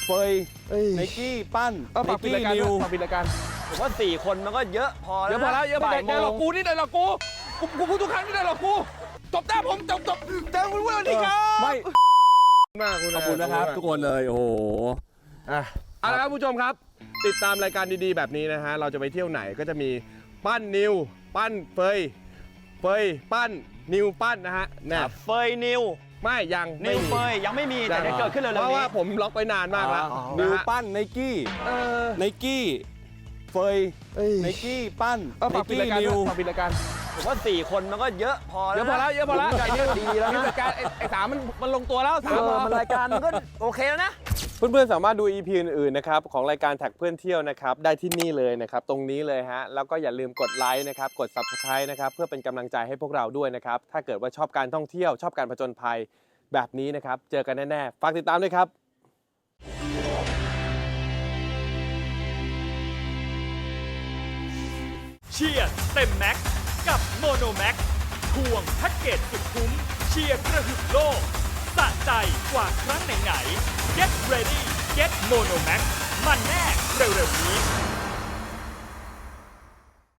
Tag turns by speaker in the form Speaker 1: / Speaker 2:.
Speaker 1: เฟยไนกี้ปั้นไนกี้นิว
Speaker 2: ปิดรายการ
Speaker 3: ผมว่า4 คนมันก็เยอะพอแล้ว
Speaker 2: เยอะพอแล้วเยอะพอ
Speaker 3: บ่ายโม
Speaker 2: ได้หรอก
Speaker 3: ง
Speaker 2: กูนี่ได้หรอกกูพูดทุกครั้งนี่ได้หรอกกูจบได้ผมจบแต่คุณผู้ชมดีครับ
Speaker 1: ไม่
Speaker 2: มากคุณ
Speaker 1: ขอบคุณนะครับทุกคนเลยโอ้โห
Speaker 2: เอาละครับผู้ชมครับ ติดตามรายการดีๆแบบนี้นะฮะเราจะไปเที่ยวไหนก็จะมีปั้นนิวปั้นเฟยปั้นนิวปั้นนะฮะเนี่ย
Speaker 3: เฟยนิว
Speaker 2: ไม่ยัง
Speaker 3: นิวเฟยยังไม่มีแต่เดี๋ยวเกิดขึ้นเร็วๆ
Speaker 2: เพราะ
Speaker 3: นี้
Speaker 2: ว่าผมล็อกไปนานมากแล้ว
Speaker 1: นิว
Speaker 2: นะฮะ
Speaker 1: ปั้นไนกี้ไนกี้เฟยไนกี้ปั้นไน
Speaker 2: ปิด
Speaker 1: กี้
Speaker 2: รายการ
Speaker 1: นิว
Speaker 2: ปิดรายการ
Speaker 3: ผมว่า4 คนมันก็เยอะพอ
Speaker 2: เย
Speaker 3: แล้ว
Speaker 2: อะพอแล้วเยอะพอแล้ว
Speaker 3: รายการดีแล้วนะ
Speaker 2: รายการไอ้สามมันลงตัวแล้วสามพอ
Speaker 3: มันรายการมันก็โอเคแล้วนะ
Speaker 2: เพื่อนๆสามารถดู EP อื่นๆนะครับของรายการแท็กเพื่อนเที่ยวนะครับได้ที่นี่เลยนะครับตรงนี้เลยฮะแล้วก็อย่าลืมกดไลค์นะครับกด Subscribe นะครับเพื่อเป็นกำลังใจให้พวกเราด้วยนะครับถ้าเกิดว่าชอบการท่องเที่ยวชอบการผจญภัยแบบนี้นะครับเจอกันแน่ๆฝากติดตามด้วยครับ
Speaker 4: เชียร์เต็มแม็กซ์กับโมโนแม็กควงแพ็กเกจสุดคุ้มเชียร์กระหึ่มโลกสะใจกว่าครั้งไหนๆ Get ready Get Mono Max มันแน่เร็วๆนี้